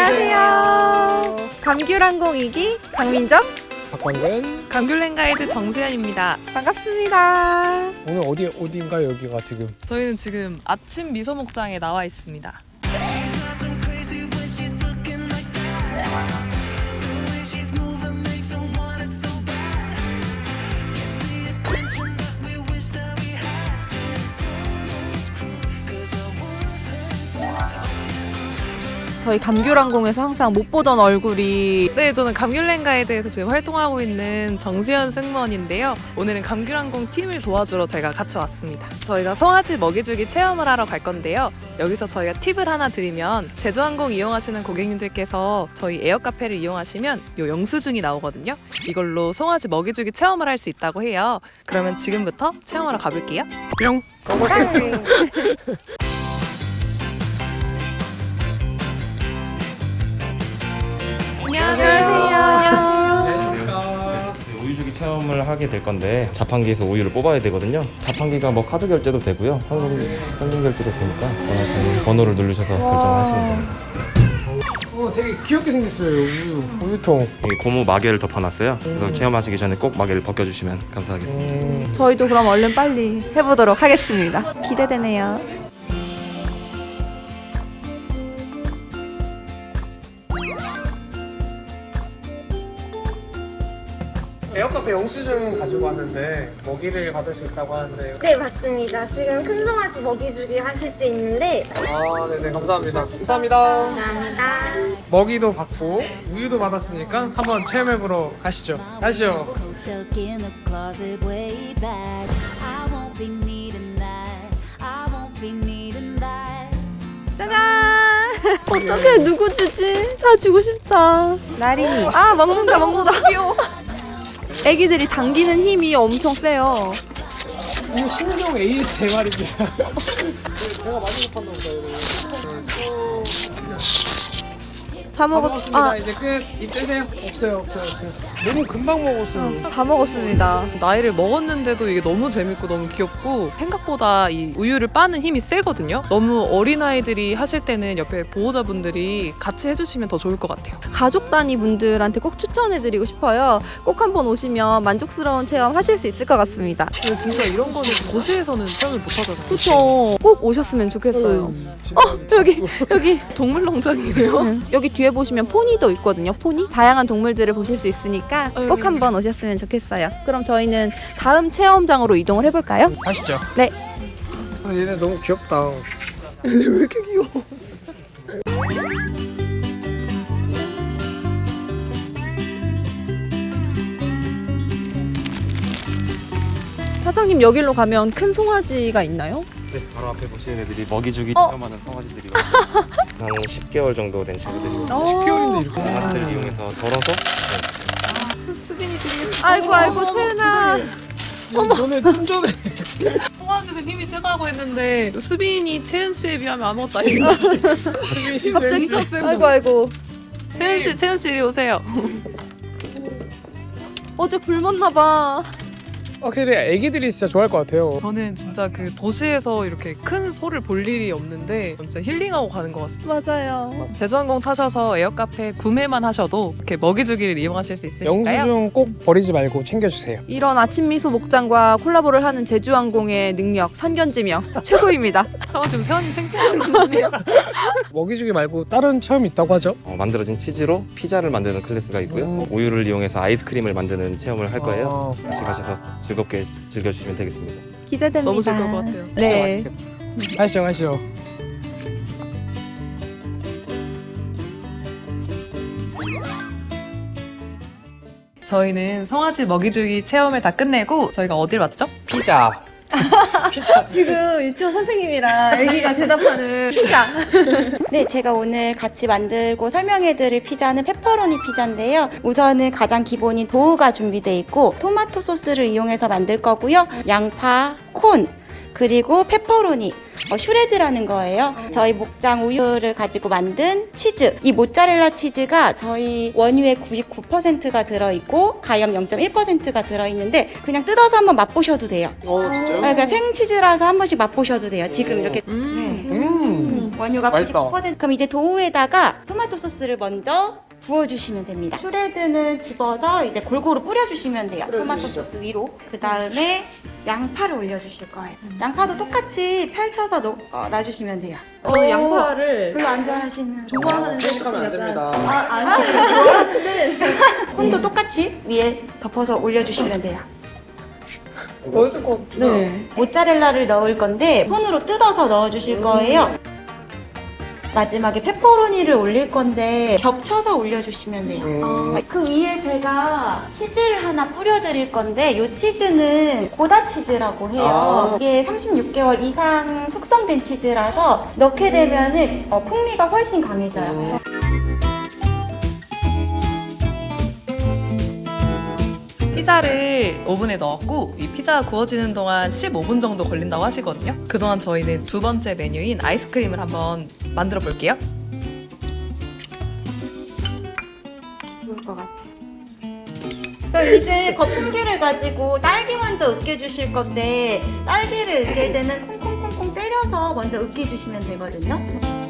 안녕하세요. 감귤항공 2기 강민정, 박광근. 감귤랜 가이드 정수연입니다. 반갑습니다. 오늘 어디인가요? 여기가 지금? 저희는 지금 아침 미소 목장에 나와 있습니다. 저희 감귤항공에서 항상 못 보던 얼굴이 네, 저는 감귤랜 가이드에서 지금 활동하고 있는 정수연 승무원인데요. 오늘은 감귤항공 팀을 도와주러 제가 같이 왔습니다. 저희가 송아지 먹이주기 체험을 하러 갈 건데요. 여기서 저희가 팁을 하나 드리면 제주항공 이용하시는 고객님들께서 저희 에어카페를 이용하시면 요 영수증이 나오거든요. 이걸로 송아지 먹이주기 체험을 할 수 있다고 해요. 그러면 지금부터 체험하러 가볼게요. 뿅. 안녕하세요. 우유주기 체험을 하게 될 건데 자판기에서 우유를 뽑아야 되거든요. 자판기가 뭐 카드 결제도 되고요. 현금 결제도 되니까 원하시는 번호를 누르셔서 결정을 하시면 됩니다. 되게 귀엽게 생겼어요. 우유통. 여기 고무 마개를 덮어놨어요. 그래서 체험하시기 전에 꼭 마개를 벗겨주시면 감사하겠습니다. 저희도 그럼 얼른 빨리 해보도록 하겠습니다. 기대되네요. 에어카페 영수증 가지고 왔는데 먹이를 받을 수 있다고 하는데. 네, 맞습니다. 지금 큰 송아지 먹이주기 하실 수 있는데 네네, 감사합니다. 감사합니다. 감사합니다. 먹이도 받고 우유도 받았으니까 한번 체험해보러 가시죠. 가시죠. Stuck in the closet way back. I won't be needing that. I won't be needing that. 짜잔! 어떡해, 누구 주지? 다 주고 싶다. 나린이. 아, 먹는다. 귀여워. 애기들이 당기는 힘이 엄청 세요. 이거 신종 ASMR입니다. 제가 많이 못한다 보다. 다 먹었습니다. 이제 끝. 입 떼세요. 없어요. 너무 금방 먹었어요. 다 먹었습니다. 나이를 먹었는데도 이게 너무 재밌고 너무 귀엽고 생각보다 이 우유를 빠는 힘이 세거든요. 너무 어린아이들이 하실 때는 옆에 보호자분들이 같이 해주시면 더 좋을 것 같아요. 가족 단위 분들한테 꼭 추천해드리고 싶어요. 꼭 한번 오시면 만족스러운 체험 하실 수 있을 것 같습니다. 근데 진짜 이런 거는 도시에서는 체험을 못 하잖아요. 그쵸. 꼭 오셨으면 좋겠어요. 여기 동물농장이에요? 여기 뒤에 보시면 포니도 있거든요. 포니? 다양한 동물들을 보실 수 있으니까 꼭 한번 오셨으면 좋겠어요. 그럼 저희는 다음 체험장으로 이동을 해볼까요? 가시죠. 네. 얘네 너무 귀엽다. 왜 이렇게 귀여워? 사장님, 여기로 가면 큰 송아지가 있나요? 네, 바로 앞에 보시는 애들이 먹이주기 체험하는 송아지들이거든요. 한 10개월 정도 된 친구들이고 10개월인데 이렇게. 강아지들 이용해서 덜어서 아이고, 채은아. 너네 좀 전에. 송아지들 힘이 세다고 했는데 수빈이 채은 씨에 비하면 아무것도 아니에요. 갑자기 진짜 세고. 아이고. 채은 씨 이리 오세요. 어제 굶었나 봐. 확실히 애기들이 진짜 좋아할 것 같아요. 저는 진짜 그 도시에서 이렇게 큰 소를 볼 일이 없는데 진짜 힐링하고 가는 것 같습니다. 맞아요. 제주항공 타셔서 에어카페 구매만 하셔도 이렇게 먹이주기를 이용하실 수 있으니까요. 영수증 꼭 버리지 말고 챙겨주세요. 이런 아침 미소 목장과 콜라보를 하는 제주항공의 능력, 선견지명 최고입니다. 지금 세원님 챙기시는 거 아니에요? 먹이주기 말고 다른 체험이 있다고 하죠? 만들어진 치즈로 피자를 만드는 클래스가 있고요. 우유를 이용해서 아이스크림을 만드는 체험을 할 거예요. 같이 가셔서 즐겁게 즐겨주시면 되겠습니다. 기대됩니다. 너무 즐거울 것 같아요. 네. 가시죠. 저희는 송아지 먹이주기 체험을 다 끝내고 저희가 어딜 왔죠? 피자. 지금 유치원 선생님이랑 아기가 대답하는 피자. 네, 제가 오늘 같이 만들고 설명해드릴 피자는 페퍼로니 피자인데요. 우선은 가장 기본인 도우가 준비되어 있고 토마토 소스를 이용해서 만들 거고요. 양파, 콘, 그리고 페퍼로니, 슈레드라는 거예요. 저희 목장 우유를 가지고 만든 치즈. 이 모짜렐라 치즈가 저희 원유의 99%가 들어있고 가염 0.1%가 들어있는데 그냥 뜯어서 한번 맛보셔도 돼요. 진짜요? 그러니까 생치즈라서 한 번씩 맛보셔도 돼요. 지금 이렇게. 네. 원유가 맛있다. 99%. 그럼 이제 도우에다가 토마토 소스를 먼저 부어주시면 됩니다. 슈레드는 집어서 이제 골고루 뿌려주시면 돼요. 토마토 소스 위로. 그 다음에 양파를 올려주실 거예요. 양파도 똑같이 펼쳐서 놔주시면 돼요. 저 양파를 별로 안 좋아하시는. 좋아하는데 생각하면 안 됩니다. 아니 좋아하는데 손도 똑같이 위에 덮어서 올려주시면 돼요. 멋있을 것 같아. 네. 모짜렐라를 넣을 건데 손으로 뜯어서 넣어주실 거예요. 마지막에 페퍼로니를 올릴 건데 겹쳐서 올려주시면 돼요. 그 위에 제가 치즈를 하나 뿌려드릴 건데 이 치즈는 고다 치즈라고 해요. 이게 36개월 이상 숙성된 치즈라서 넣게 되면은 풍미가 훨씬 강해져요. 피자를 오븐에 넣었고 이 피자가 구워지는 동안 15분 정도 걸린다고 하시거든요. 그동안 저희는 두 번째 메뉴인 아이스크림을 한번 만들어 볼게요. 좋을 것 같아요. 그럼 이제 거품기를 가지고 딸기 먼저 으깨주실 건데 딸기를 으깰 때는 콩콩콩콩 때려서 먼저 으깨주시면 되거든요.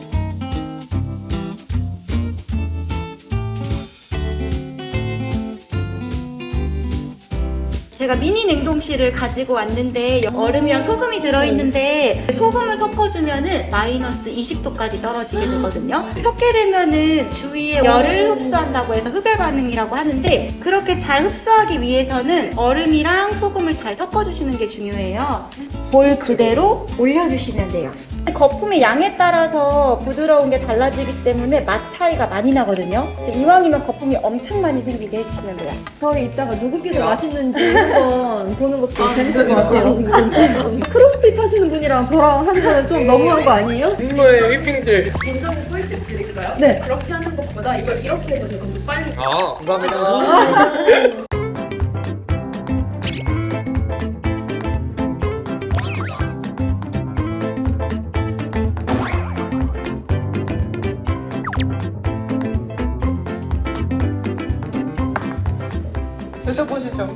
제가 미니 냉동실을 가지고 왔는데 얼음이랑 소금이 들어있는데 소금을 섞어주면은 마이너스 20도까지 떨어지게 되거든요. 섞게 되면은 주위에 열을 흡수한다고 해서 흡열 반응이라고 하는데 그렇게 잘 흡수하기 위해서는 얼음이랑 소금을 잘 섞어주시는 게 중요해요. 볼 그대로 올려주시면 돼요. 거품의 양에 따라서 부드러운 게 달라지기 때문에 맛 차이가 많이 나거든요. 이왕이면 거품이 엄청 많이 생기게 해주시면 돼요. 저희 이따가 누구께 더 맛있는지 한번 보는 것도 재밌을 것 같아요. 크로스핏 하시는 분이랑 저랑 하는 거는 좀 너무한 거 아니에요? 분노의 휘핑질. 진정 꿀팁 드릴까요? 네. 그렇게 하는 것보다 이걸 이렇게 해서 제가 좀 빨리 감사합니다. 드셔보시죠.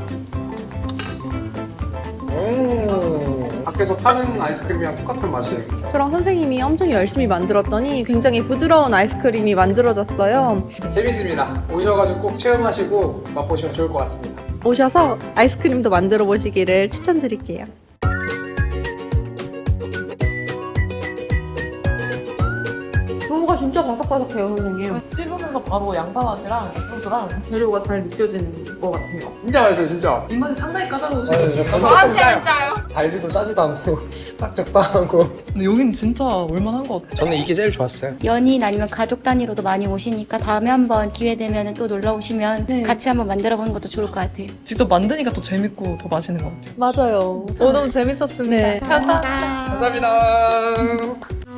밖에서 파는 아이스크림이랑 똑같은 맛이에요. 그럼 선생님이 엄청 열심히 만들었더니 굉장히 부드러운 아이스크림이 만들어졌어요. 재밌습니다. 오셔가지고 꼭 체험하시고 맛보시면 좋을 것 같습니다. 오셔서 아이스크림도 만들어 보시기를 추천드릴게요. 도우가 진짜 바삭바삭해요, 선생님. 씹으면서 바로 양파 맛이랑 소스랑 재료가 잘 느껴지는 것 같아요. 진짜 맛있어요, 진짜. 입맛이 상당히 까다로우시고 진짜요? 달지도 짜지도 않고 딱 적당하고. 근데 여긴 진짜 올만한 것 같아요. 저는 이게 제일 좋았어요. 연인 아니면 가족 단위로도 많이 오시니까 다음에 한번 기회 되면 또 놀러 오시면 같이 한번 만들어 보는 것도 좋을 것 같아요. 직접 만드니까 더 재밌고 더 맛있는 것 같아요. 맞아요. 너무 재밌었습니다. 네. 감사합니다.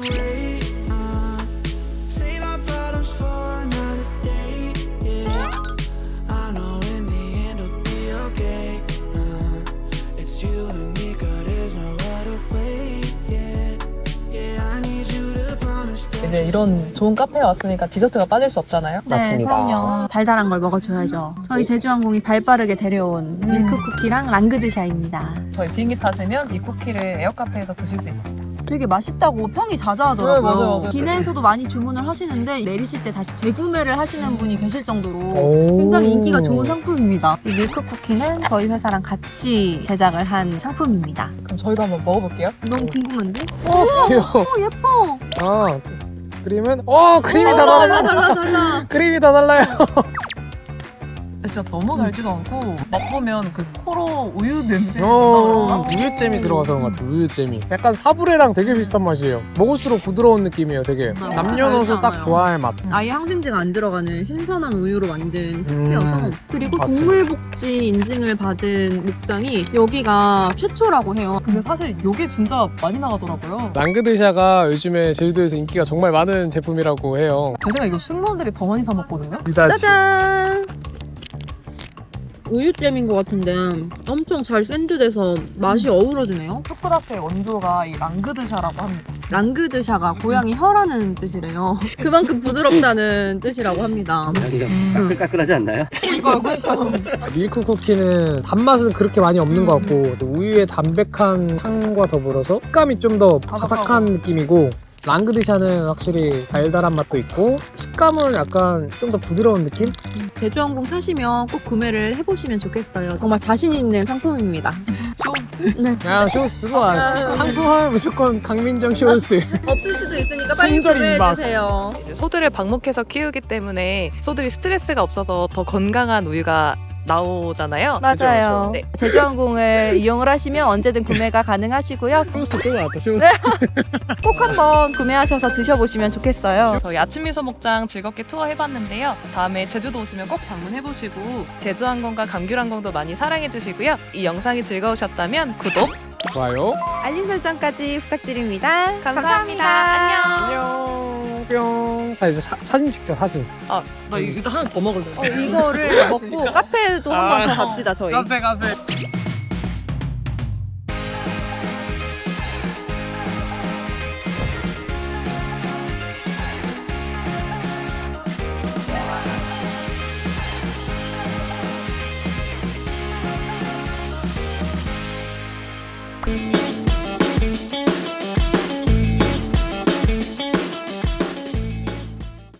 Save our problems for another day. Yeah, I know in the end it'll be okay. It's you and me, girl. There's no other way. Yeah, yeah, I need you to promise that. 이제 이런 좋은 카페에 왔으니까 디저트가 빠질 수 없잖아요. 네, 그럼요. 달달한 걸 먹어줘야죠. 저희 제주항공이 발빠르게 데려온 밀크 쿠키랑 랑그드샤입니다. 저희 비행기 타시면 이 쿠키를 에어카페에서 드실 수 있어요. 되게 맛있다고 평이 자자하더라고요. 네, 맞아요. 기내에서도 많이 주문을 하시는데 내리실 때 다시 재구매를 하시는 분이 계실 정도로 굉장히 인기가 좋은 상품입니다. 이 밀크 쿠키는 저희 회사랑 같이 제작을 한 상품입니다. 그럼 저희도 한번 먹어볼게요. 너무 궁금한데? 귀여워. 예뻐. 아, 크림은? 크림이 다 달라. 달라. 크림이 다 달라요. 진짜 너무 달지도 않고 맛보면 그 코로 우유 냄새 나오나? 우유잼이 들어가서 그런 것 같아요. 우유잼이. 약간 사브레랑 되게 비슷한 맛이에요. 먹을수록 부드러운 느낌이에요, 되게. 남녀노소 딱 좋아할 맛. 아예 항생제가 안 들어가는 신선한 우유로 만든 쿠키여서 그리고 맞습니다. 동물복지 인증을 받은 목장이 여기가 최초라고 해요. 근데 사실 이게 진짜 많이 나가더라고요. 랑그드샤가 요즘에 제주도에서 인기가 정말 많은 제품이라고 해요. 제 생각에 이거 승무원들이 더 많이 사 먹거든요. 짜잔! 우유잼인 것 같은데 엄청 잘 샌드돼서 맛이 어우러지네요. 초콜릿의 원조가 이 랑그드샤라고 합니다. 랑그드샤가 고양이 혀라는 뜻이래요. 그만큼 부드럽다는 뜻이라고 합니다. 까끌까끌하지 않나요? 밀크 쿠키는 단맛은 그렇게 많이 없는 것 같고 또 우유의 담백한 향과 더불어서 식감이 좀 더 바삭한 느낌이고 랑그드샤는 확실히 달달한 맛도 있고 식감은 약간 좀 더 부드러운 느낌? 제주항공 타시면 꼭 구매를 해보시면 좋겠어요. 정말 자신 있는 상품입니다. 야 쇼호스트도 상품하면 무조건 강민정 쇼호스트. 없을 수도 있으니까 빨리 품절 임박. 구매해주세요. 이제 소들을 방목해서 키우기 때문에 소들이 스트레스가 없어서 더 건강한 우유가 나오잖아요. 맞아요. 네. 제주항공을 이용을 하시면 언제든 구매가 가능하시고요. 쇼호스트 또 나왔다 쇼호스트. 꼭 한번 구매하셔서 드셔보시면 좋겠어요. 저희 아침 미소 목장 즐겁게 투어 해봤는데요. 다음에 제주도 오시면 꼭 방문해보시고 제주항공과 감귤항공도 많이 사랑해주시고요. 이 영상이 즐거우셨다면 구독, 좋아요. 알림 설정까지 부탁드립니다. 감사합니다. 안녕. 안녕 뿅. 자 이제 사진 찍자 사진. 나 이거 하나 더 먹을래. 이거를 먹고 카페도 한 번 더 갑시다 저희. 카페